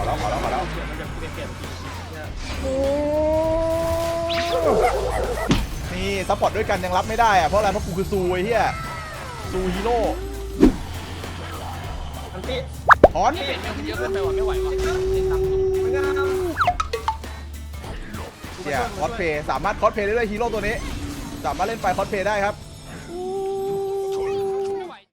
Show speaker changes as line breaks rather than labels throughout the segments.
แล้ว
มันจะเปลี่ยน
นี่ซัพพอร์ตด้วยกันยังรับไม่ได้อะเพราะอะไรเพราะกูคือซูไอ้เหี้ยซูฮีโร่
อันที่
ถอน
เปลี่ยนเยอะเกินไปว่ะไม่ไหวว่ะติดตามตุ้ม
มันงาม
เนี่ยคอสเพย์สามารถคอสเพย์ได้ด้วยฮีโร่ตัวนี้สามารถเล่นไฟคอสเพย์ได้ครับ
ไม่ไหว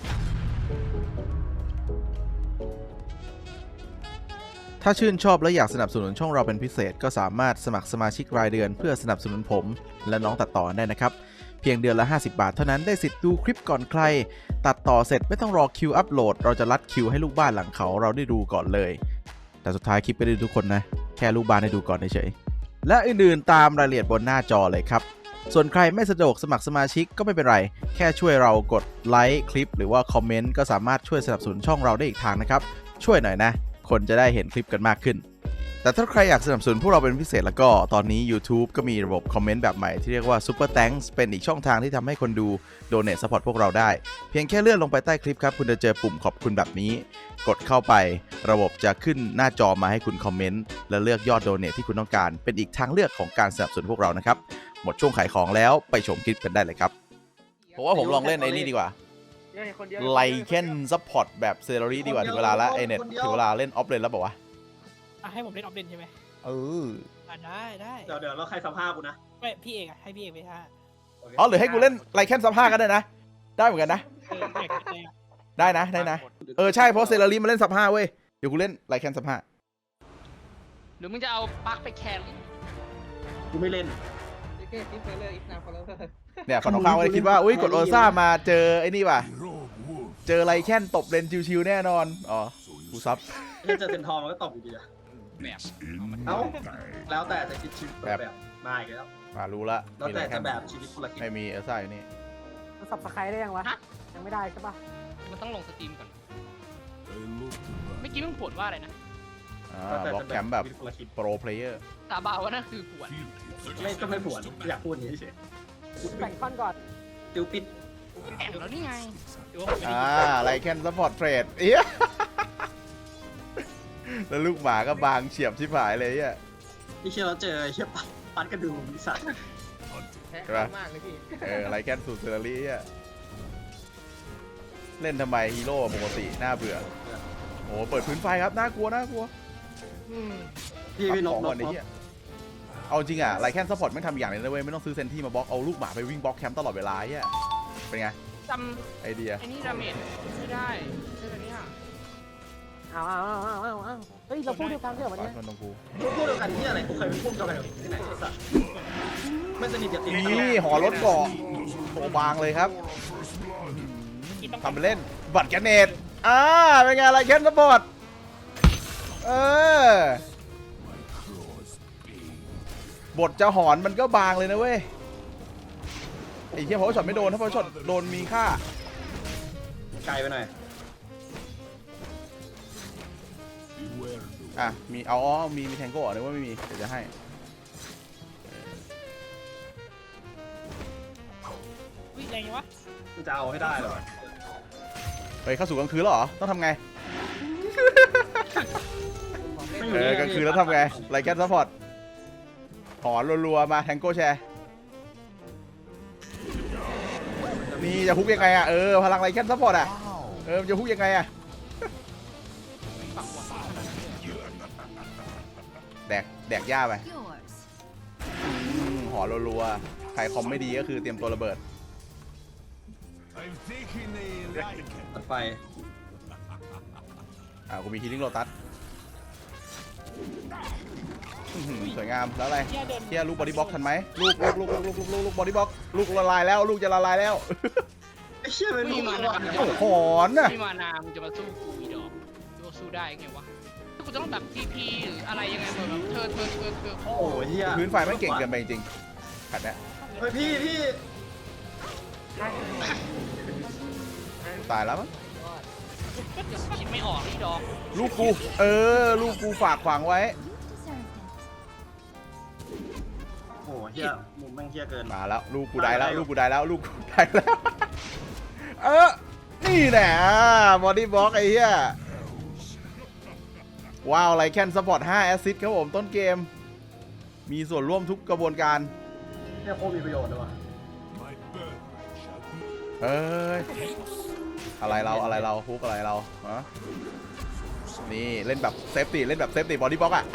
ถ้าชื่นชอบและอยากสนับสนุนช่องเราเป็นพิเศษก็สามารถสมัครสมาชิกรายเดือนเพื่อสนับสนุนผมและน้องตัดต่อได้นะครับเพียงเดือนละ50 บาทเท่านั้นได้สิทธิ์ดูคลิปก่อนใครตัดต่อเสร็จไม่ต้องรอคิวอัปโหลดเราจะรัดคิวให้ลูกบ้านหลังเขาเราได้ดูก่อนเลยแต่สุดท้ายคลิปไม่ได้ดูทุกคนนะแค่ลูกบ้านได้ดูก่อนเฉยๆและอื่นๆตามรายละเอียดบนหน้าจอเลยครับส่วนใครไม่สะดวกสมัครสมาชิกก็ไม่เป็นไรแค่ช่วยเรากดไลค์คลิปหรือว่าคอมเมนต์ก็สามารถช่วยสนับสนุนช่องเราได้อีกทางนะครับช่วยหน่อยนะคนจะได้เห็นคลิปกันมากขึ้นแต่ถ้าใครอยากสนับสนุนพวกเราเป็นพิเศษแล้วก็ตอนนี้ YouTube ก็มีระบบคอมเมนต์แบบใหม่ที่เรียกว่า Super Thanks เป็นอีกช่องทางที่ทำให้คนดู Donate Support พวกเราได้เพียงแค่เลื่อนลงไปใต้คลิปครับคุณจะเจอปุ่มขอบคุณแบบนี้กดเข้าไประบบจะขึ้นหน้าจอมาให้คุณคอมเมนต์และเลือกยอด Donate ที่คุณต้องการเป็นอีกทางเลือกของการสนับสนุนพวกเรานะครับหมดช่วงขายของแล้วไปชมคลิปกันได้เลยครับผมว่าผมลองเล่นไอ้นี่ดีกว่าไลเคนซัพพอร์ตแบบเซอรี่ดีกว่าถึงเวลาแล้วไอเน็ตถึงเวลาเล่นออฟเลนแล้วบอกว่า
ให้ผมเล่นออฟเดนใช่ไหม ได้
เดี๋ยวเราใครสภาพกูนะ
ไม่พี่เอกให้พี่เอกไปท่า
อ๋อหรือให้กูเล่นไลแคนซับ5ก็ได้นะได้เหมือนกันนะได้นะใช่เพราะเซรารีมาเล่นซับ5เว้ยเดี๋ยวกูเล่นไลแคนซับ5
หรือมึงจะเอาปลั๊กไปแคน
กูไม่เล่น
เนี่ยฝั่งตรงข้ามก็เลยคิดว่าอุ้ยกดโอซ่ามาเจอไอ้นี่ว่ะเจอไลแคนตบเลนชิวๆแน่นอนอ๋อกูซับ
ถ้าเจอเซนทอร์มันก็ตบอยู่ดีอะ
แบบ
เอ้าแล้วแต่จะคิดชีวิตแบบมาอีกแล้ว
มารู้ละ
แล้วแต่จะแบบชีวิตคนละคิด
ไม่มีเอลซ่าอยู่นี่
มันสับสไครได้ยังวะ ยังไม่ได้ใช่ปะ
มันต้องลงสตรีมก่อนเมื่อกี้มึงผลว่าอะไรนะ
บล็อกแคมป์แบบ
ชีวิตคนละคิด
โปรเพลเยอร์
ตาบาวว่านั่นคือผวน
ไม่ผวนอยากพูดอย่างนี้เฉย
แบ่งท่อนก่อน
ติวปิด
แอบแล้วนี่ไงหรือว่าผมไม่ได้
ไลแคนซัพพอร์ตเทรดเอี้ยแล้วลูกหมาก็บางเฉียบชิบหายเลยอ่ะ
นี่เชื่อเราเจอเชื่อปัดกระดูกสัตว์
ใช่ปะไลแคนสูตรเซอร์รี่อ่ะเล่นทำไมฮีโร่ปกติน่าเบื่อโอ้เปิดพื้นไฟครับน่ากลัว
พี่น
ข
ก
องก่อนไอ้เหี้ยเอาจริงอ่ะไลแคนซัพพอร์ตไม่ทำอย่างเลยนะเว้ยไม่ต้องซื้อเซนที่มาบล็อกเอาลูกหมาไปวิ่งบล็อกแคมป์ตลอดเวลาอ่ะเป็นไง
จ
ไอเดีย
ำไอ้นี่ดาเมจไม่ได้ใช่ไหมเนี่ย
เอาเฮ้ย เราพูดเดียวกันใช่เหรอวันนี้
มันต้องกู
พูดเดียวกันที่อะไรกูเคยเป็นพูดเดียวกันที่ไหนไอ้สัตว์ไม่สนิทกับติด
นี่หอรถเกาะโตบางเลยครับทำไปเล่นบัตรแกนเนตเป็นไงไลแคนซัพพอร์ตบทจะหอนมันก็บางเลยนะเว้ยไอ้เหี้ยพอช็อตไม่โดนถ้าพอช็อตโดนมีค่า
ไกลไปหน่อย
มีมีแทงโก้เหรอหรือว่าไม่มีเดี๋ยวจะให้
วิ่งแรงยังวะ
กูจะเอาให้ได้เลย
เฮ้ยเข้าสู่กลางคืนแล้วเหรอต้องทำไงกลางคืนแล้วทำไงไลแคนซัพพอร์ตหอนรัวๆมาแทงโก้แชร์นี่จะฮุกยังไงพลังไลแคนซัพพอร์ตจะฮุกยังไงแดกหญ้าไปหอรัวๆใครคอมไม่ดีก็คือเตรียมตัวระเบิด
ตัดไฟ
กูมีฮีลิ่งโลตัสสวยงามแล้วอะไรเที่ยลูกบอดี้บ็อกทันไหมลูกบอดี้บ็อกลูกละลายแล้วลูกจะละลายแล้ว
ไอ้เชี่ยเป็น
มีมานา
หอนน่ะ
มีมานามึงจะมาสู้กูอีดอกจะสู้ได้ไงวะถ้ากูจะต้องแบบ TP หรืออะไรยังไงแบบเธอ
โอ้ยเฮีย
พื้นไฟไม่เก่งเกินไปจริงๆขัดเนี่ย
เฮ้ยพี่
ตายแล้วมั้ง
คิดไม่ออกนี่ดอก
ลูกกูลูกกูฝากขวางไว้
โอ้เฮียมุมแม่งเฮียเกิน
มาแล้วลูกกูได้แล้วลูกกูได้แล้วนี่แหละบอดี้บ็อกไอ้เหี้ยว้าวไลแคนซัพพอร์ต5แอสซิสต์ครับผมต้นเกม มีส่วนร่วมทุกกระบวนการ
เนี่ยโคตรมีประโยชน์เลยวะ
เฮ้ย อะไรเราฮุกอะไรเราฮะนี่เล่นแบบเซฟตี้บอดี้บล็อกอ่ะ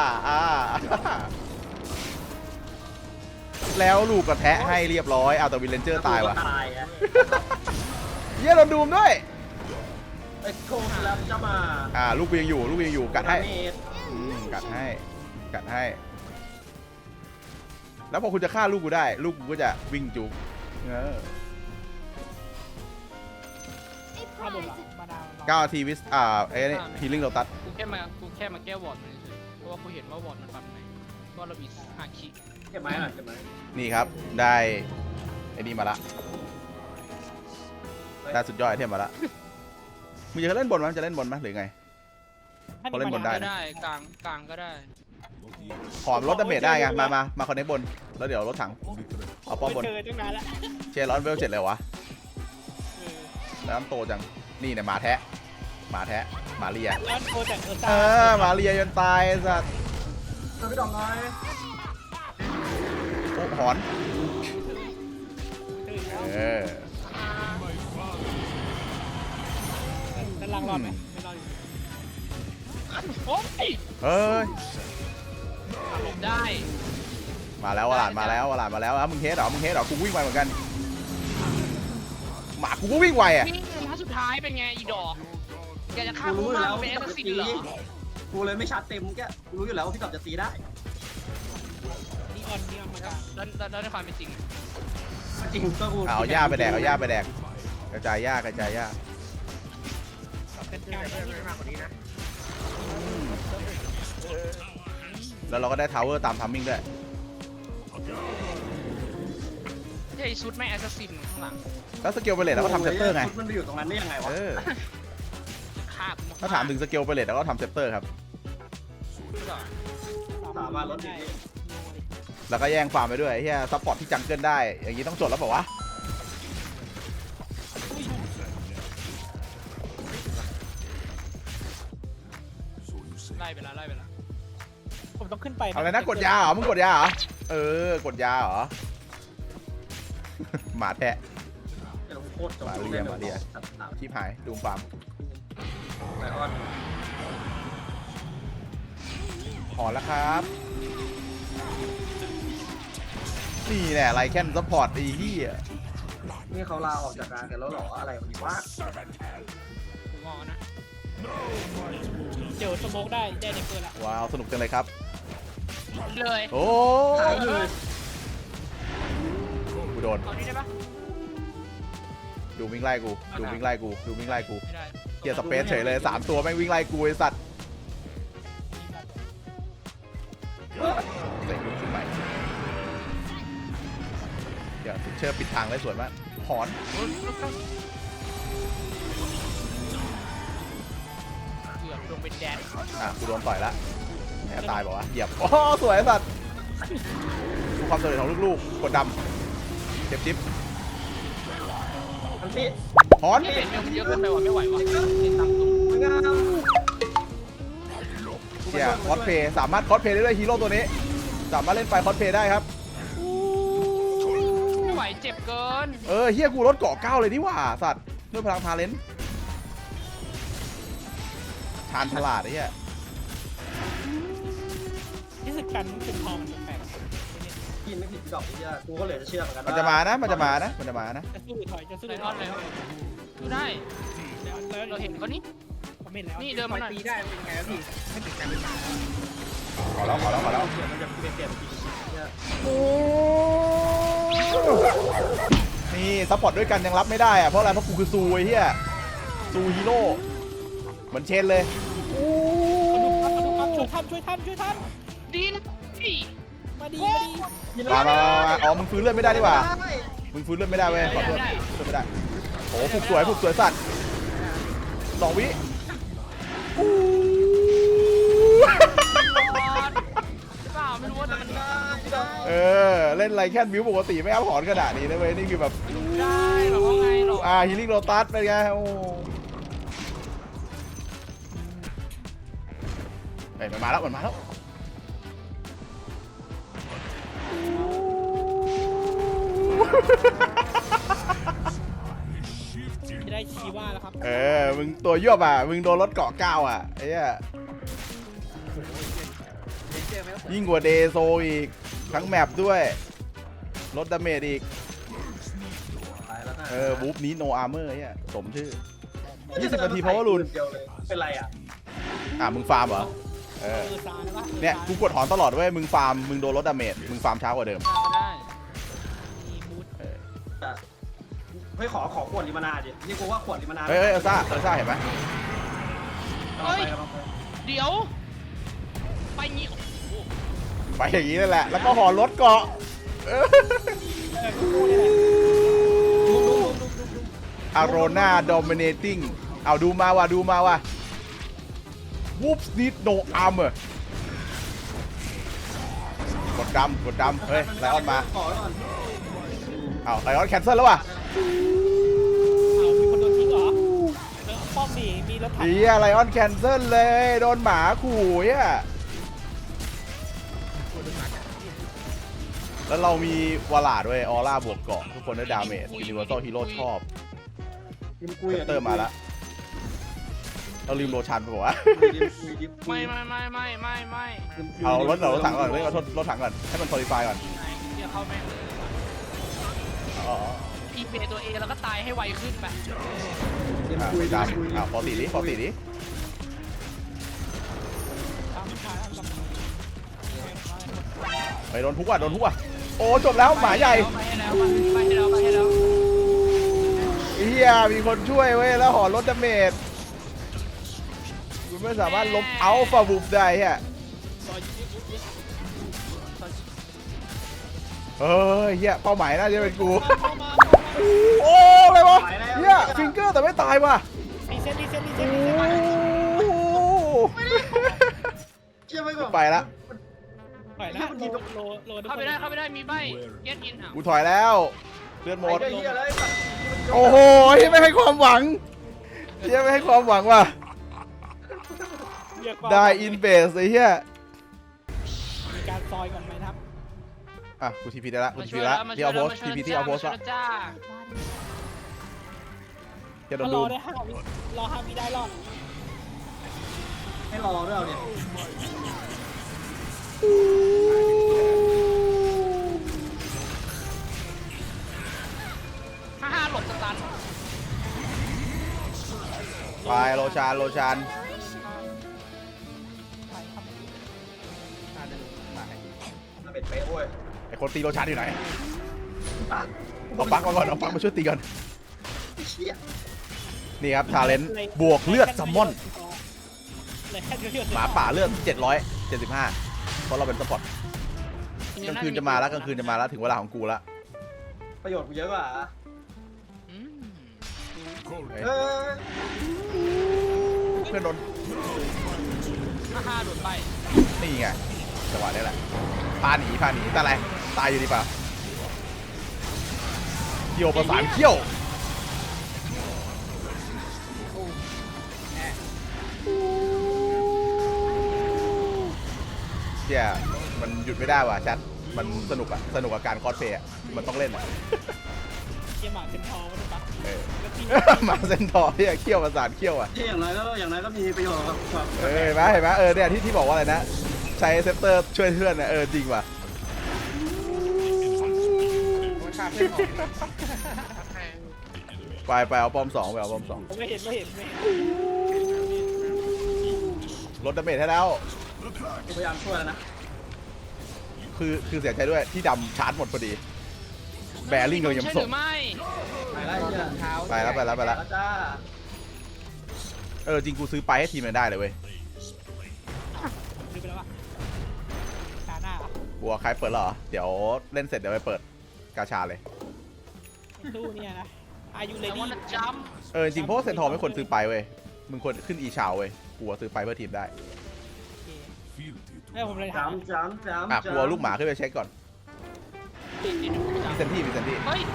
แล้วลูกกระแทะให้เรียบร้อยเอาแต่วิลเลนเจอร์ตายวะ
ตายอะ
เยี่ยโดนดูมด้วย
ไอ้โคตรแล้วจะมา
ลูกกูยังอยู่กัดให้
เมตร
กัดให้ แล้วพอคุณจะฆ่าลูกกูได้ลูกกูก็จะวิ่งจุก
ข้าบนหลังมาดาว
9 ทีวิสไอ้นี่ฮีลิ่งโลตัส
กูแค่มาแก้วอร์ดมันเฉยๆเพราะว่ากูเห็นว่าวอร์ดมันปรับไหนก็เรามี5 คี
เก็บไม้หน่อยเก็บไม้
นี่ครับได้ไอ้นี่มาละได้สุดยอดไอเทมมาละมึงจะเล่นบนมั้ยจะเล่นบนมั้ยหรือไง เขาเล่นบนได้
ก็ได้กลางก็ได้
ขอลดดาเมจได้ไงมาคอนเนคบนแล้วเดี๋ยวรถถังเอาป้อมบน
เจอตั้งนานละ
เชร้อนเวล7เลยวะ
เออ
แล้วน้ำโตจังนี่เนี่ยหมาแทะหมาเลีย
แล้วโคจากเออตา
หมาเลียจนตายไอ้สัตว์
ช่วยพี่ดอกน้อย
โอ้หอนเออ
ด้านล่างรอดไหมไม่รอดอยู่
โอ้ย
เฮ้ย
หลบได้
มาแล้ววลาดมาแล้วมึงเฮดเหรอกูวิ่งไวเหมือนกันหมากูก็วิ่งไวอ่ะ
นี่นัดสุดท้ายเป็นไงอีดอกแกจะฆ่า
กู
กู
รู้อยู่
มาก
แล้ว
เป็น
พี่
แอ
กับ
ส
จะ
ซิน
ตี
เหรอ
กูเลยไม่ชาร์จเต็มแกกูรู้อยู่แล้วว่าพี่กับจะตีได้
นี่ออนมากลาง
แล้วในความเป็นจริง
จริงก็กู
เอาหญ้าไปแดกกระจายหญ้า
เป็นกลาง
แล้วเราก็ได้ทาวเวอร์ตามทัมมิ่งด้วย
ไอ้ชุดแม่แอสซินข้างหลัง
แล้วสเกลไปเลทเราก็ทำเซปเตอร์ไง
มันไปอยู่ตรงนั้นได้ยังไงวะ
ฆ่ากู
ถ้าถามถึงสเกลไปเลทเราก็ทำเซปเตอร์ครับ
สามารถลดได้
แล้วก็แย่งฟาร์มไปด้วยเฮียซัพพอร์ตที่จังเกิลได้ อย่างนี้ต้องจดแล้วเปล่าวะ
ไล่ไปแล้ว
ผมต้องขึ้นไป
เอาอะไรนะกดยาเหรอ มึงกดยาเหรอ กดยาเหรอ หมาแทะ
เดี๋ยวโคตรจบ
มาเรียชิบหายดูฟาร์ม
ไลออน
หอนแล้วครับ นี่แหละไลแคนซัพพอร์ตไอ้เหี้ย
นี่เขาลาออกจากงานกันแล้วหรออะไรวะนี่วะ
กูงอนะ
เดี๋ยวสโมกได้ในเปิดละ
ว้าวสนุกจังเลยครับ
เลย
โอ้
หายเลย
กูโดน
เอานี่ได้ปะ
ดูวิ่งไล่กูวิ่งไล่กู
ไม่ได้
เกียร์สเปซเฉยเลย3ตัวแม่งวิ่งไล่กูไอ้สัตว์เซ็งขึ้นใหม่เดี๋ยวเชื่อปิดทางได้สวยมากหอน
เกือบลงเป็นแดน
กูโดนต่อยละแหมตายบอกว่าเหยียบโอ้สวยไอ้สัตว์ดูความสำเร็จของลูกๆกดดำเจ็บจิ๊บ
มันพี่
หอน
นี่เป็นเมลมันเยอะเกินไปว่ะไม่ไหวว่ะติดตามตุ้ม
งาม
เกียร์คอสเพย์สามารถคอสเพย์ได้ด้วยฮีโร่ตัวนี้สามารถเล่นไฟคอสเพย์ได้ครับ
ไม่ไหวเจ็บเกิน
เฮียกูรถเกาะ9เลยนี่หว่าสัตว์ด้วยพลังทาเลนต์ชาญฉลาดไอ้เหี้ย
ที่สึกกันเป็นทองแปลก
กินไม่ผิดดอกนี่กูก็เลยจะเชื่อเหมือนกัน
มันจะมานะ
จะสู้หรือถอยจะสู้ห
เล
รื
ย
อ
ท
ถ
อ
อน ย
เลยดูได้
แล้ว
เราเห็นเขานี่
ผมเห็นแล้ว
นี่เดินมาหน่อย
ตีได้เป็นไงวะพี่ไม่ติดกันเป็นหมา
ขอแล้ว
เดี๋ยวมันจะเปลี่ยนปีเนี่ย
นี่ซัพพอร์ตด้วยกันยังรับไม่ได้อะเพราะอะไรเพราะกูคือซูไอ้เหี้ยซูฮีโร่เหมือนเชนเลย
ช่วยท่าน
ดีนะพี่
มาดี
มาอ๋อมึงฟื้นเลือดไม่ได้ดีกว่ามึงฟื้นเลือดไม่ได้เว้ยขอโทษฟื้นไม่ได้โอ้ผูกสวยสัตว์2 วิ
เปล่าไม่รู้ว่าแต่มัน
เล่นไรแค่บิวปกติไม่เอาหอนขนาดนี้นะเว้ยนี่คือแบบ
ได้หรอว่าไงหรอ
ฮีลิ่งโรตัสเป็นไงโอ้ฮ้ยมันมาแล้วมันมาแล้ว
จะได้ชีว่าแล้วครับ
มึงตัวยวบอ่ะมึงโดนรถเกาะก้าวอ่ะไอ้เหี้ยยิ่งกว่าเดโซอีกทั้งแมปด้วยลดดาเมจอีก
ตายแล้วนะ
บูฟนี้โนอาร์เมอร์เนี่ยสมชื่อ 20 นาทีเพราะว่ารุน
เดียวเลยเป็นไรอ่ะ
มึงฟาร์มเหรอ
ซานะวะ
เนี่ยกูกดถอนตลอดเว้ยมึงฟาร์มมึงโดนลดดาเมจมึงฟาร์มช้ากว่าเดิม
ก็ได้
มีบูท
เฮ้ยขอขวดลิมานาดินี่กูว่าขวดลิมานา
เฮ้ยเอลซ่าเห็นไหม
เอาไปเอาไป
เดี๋ยว ไปงี้โอ้โห
ไปอย่างนี้นั่นแหละแล้วก็หอรถเกาะอาโรนาดอมิเนติ้งเอาดูมาว่ะวูฟนิดโนอาร์เมอร์กดดำเฮ้ยไลออนมา
ขอไว้ก่อน
ไลออนแคนเซิลแล้วว่ะ
เอามีคนโดนทิ้งเหรอป้อมดีมีรถถัง
ไลออนแคนเซิลเลยโดนหมาขู่อ่ะแล้วเรามีวาลาด้วยออร่าบวกเกาะทุกคนได้ดาเมจยูนิเวอร์แซลฮีโร่ชอบ
ดิมคุย
เตอร์มาแล้วเราลืมโลชันไปวะ
ไม่
เอารถถังก่อนเอารถถังก่อนให้มันโซลิฟายก่อน
เดี๋ยวเข้าแม่งเลยอีเบตัวเองแล้วก็ตายให้ไวขึ้นไป
ดิมคุย
ดำพอตีดิ
ตามทางกับ
ไปโดนทุกว่ะโอ้จบแล้วหมาใหญ่
ไปให้แล้ว
เฮียมีคนช่วยเว้ยแล้วหอลดดาเมจคุณไม่สามารถลบอัลฟาบูฟได้ฮะ
ซอยยึด
เฮ้ยเฮียเป้าหมายน่าจะเป็นกู
มา
โอ้อะไรวะเฮียฟิงเกอร์แต่ไม่ตายว่ะ
รีเซ็ต
โอ้
เชื่อไว้ก่อน
ไปละ
ปล่อยนะโล
เข้าไปได้มีใบเก็ตอินอ่ะ
กูถอยแล้วเลือดหมด
ไอ้เหี้ยเลย
โอ้โหไม่ให้ความหวังเฮียไม่ให้ความหวังว่ะได้อินเบสไอ้เฮีย
มีการซอยก่อนไหมครับ
กูทีพีได้ละกูทีพีละที่เอาโพสทีพีที่เอาโพสละ
จ้า
จะโดน
ร
ดู
อได้5 วิรอ5 วิได้รอด
ให้รอด้วยเอาเนี่ย
55หลบสตัน
ไปโลชาน
มาเป็นเป๊ะเว้ย
ไอคนตีโลชานอยู่ไหนเอาปังมาก่อนเอาปังมาช่วยตีก่อน
เชี่ย
นี่ครับทาเลนต์บวกเลือดซัมมอน
เลยแค่เลือด
หมาป่าเลือด775เพราะเราเป็นสปอร์ตกลางคืนจะมาแล้วถึงเวลาของกูละ
ประโยชน์กูเยอะกว่า
อืม
เออ
เพื่อนโดน
55โดนใบ
นี่ไงจังหวะนี้แหละพาหนีแต่อะไรตายอยู่ดีป่ะเกี่ยวประสานเขี้ยวเชี่ยมันหยุดไม่ได้ว่ะชัดมันสนุกกับการคอสเพย์มันต้องเล่นอ่ะ
เกียร์หมาเต็มทองใช่ปะ
หมาเส้นทอที่เขี้ยวประสานเขี้ยวอ่ะ
ที่อย่างไรก็มีประโยชน์ครับ
เห็นไหมเนี่ยที่บอกว่าอะไรนะใช้เซปเตอร์ช่วยเพื่อนนะจริงว่ะไปเอาป้อม 2ไปเอาป้อม 2
ไม่เห็น
ลดดาเมจให้แล้ว
กูพยายามช่วยแล้วนะ
คือเสียใจด้วยที่ดำชาร์จหมดพอดีแบริ่งเรายัง
ใช่ห
ส่
รื
ง
อไม่
ไปแล้วเหี้ย
ไปแล้ว
แล้วจ้า
จริงกูซื้อไปให้ทีมมันได้เลยเว้ย
ลืมไปแล้ววะตาหน้า
กูว่าใครเปิดเหรอเดี๋ยวเล่นเสร็จเดี๋ยวไปเปิดกาชาเลย
ตู้เนี่ยนะอายุเล
แต่
ดี้
ว่าจัม
จริงเพราะว่าเซนทอร์ไม่ควรซื้อไปเว้ยมึงควรขึ้นอีชาวเว้ยกูว่าซื้อไปเพื่อทีมได้
ให้ผมเลยถาม
จ้ำ
กูเอาลูกหมาขึ้นไปเช็คก่อนมีเซนที่
เฮ้ย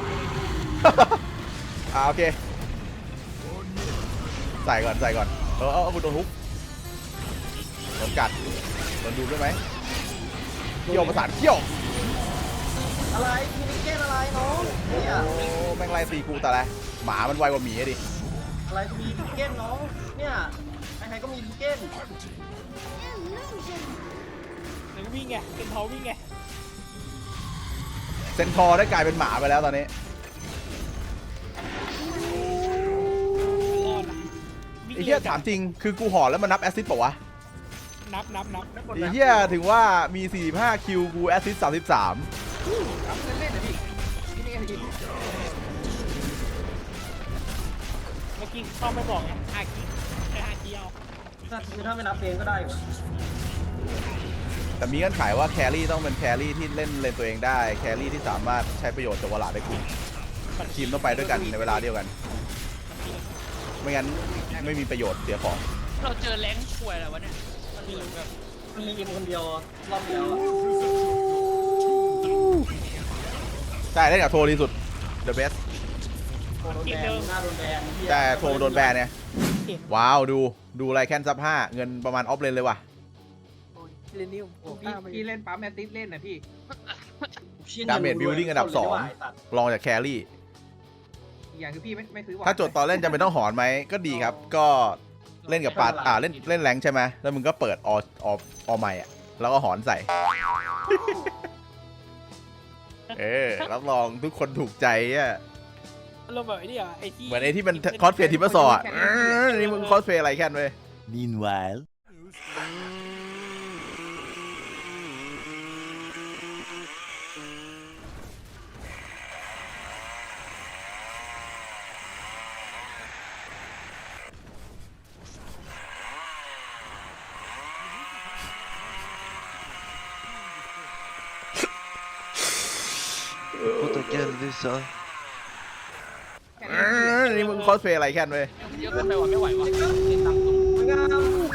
โอเคใส่ก่อนเอากูโดนฮุกกัดโดนดูด้วยไหมเขี้ยวประสานเขี้ยว
อะไรมีนิเก้นอะไรน้องเนี่ย
โอ้แม่งไล่ตีกูแต่ละหมามันไวกว่าหมีอะดิ
อะไรมีนิเก้นน้องเนี่ยใครๆก็มีนิเก้น
หรือวิ่งไงเป็นเขาวิ่งไง
เซนทอร์ได้กลายเป็นหมาไปแล้วตอนนี้
รอดนะวิ่ง
ไอ้เหี้ยถามจริงคือกูห่อแล้วมันนับแอสซิสต์ป่าวะ
นับ
ไอ้เหี้ยถึงว่ามี45คิวกูแอสซิสต์33
เล่นๆนะพี่นี่ไงพี่
เมื่อกี้เข้าไม่บอกไงอาคีไอ้อาคีเอา
ถ้าไม่นับเองก็ได้อยู่
แต่มีเงื่อนไขว่าแครี่ต้องเป็นแครี่ที่เล่นเลนตัวเองได้แครี่ที่สามารถใช้ประโยชน์จากวลาดได้คุณทีมต้องไปด้วยกันในเวลาเดียวกัน ไม่งั้นไม่มีประโยชน์เสียของ
เราเจอแรงช่วยอะไรวะเนี่ยมันเหมือนแบบ
มันมีอิมคนเดียวรอบเดียวอะ
ใช่เล่นกับโทรดีสุด the best
โดนแบนหน้าโดนแบนเหี้ย
แต่โทรโดนแบนเนี่ย
เห็น
ว้าวดูไรแคนซับ5เงินประมาณออฟเลนเลยว่ะ
เล่นนี่โอ้พี่เล่นปั๊มแอตติสเล่นนะพี่
ดาเมจบิลดิ้งอันดับ2รองจากแครี่
อีกอย่างคือพี่ไม่ซื้อหวาน
ถ้าโจทย์ตอนเล่นจะเป็นต้องหอนไหมก็ดีครับ ก็เล่นกับปาเล่นแรงใช่ไหมแล้วมึงก็เปิดอใหม่อ่ะแล้วก็หอนใส่ รับรองทุกคนถูกใจอ่ะ
อารมณ์แบบไอ้นี่อ่ะไอ้ที่
เหมือนไอ้ที่มันคอสเพลย์ทิปเปอร์ซอร์อ่ะนี่มึงคอสเพลย์อะไรแค่นเว้ย
Meanwhile.
นี่มึงคอสเพลย์อะไรแค่นเว้ย
เยอะเกินไปว่ะไม่ไหวว่ะ
สวยงาม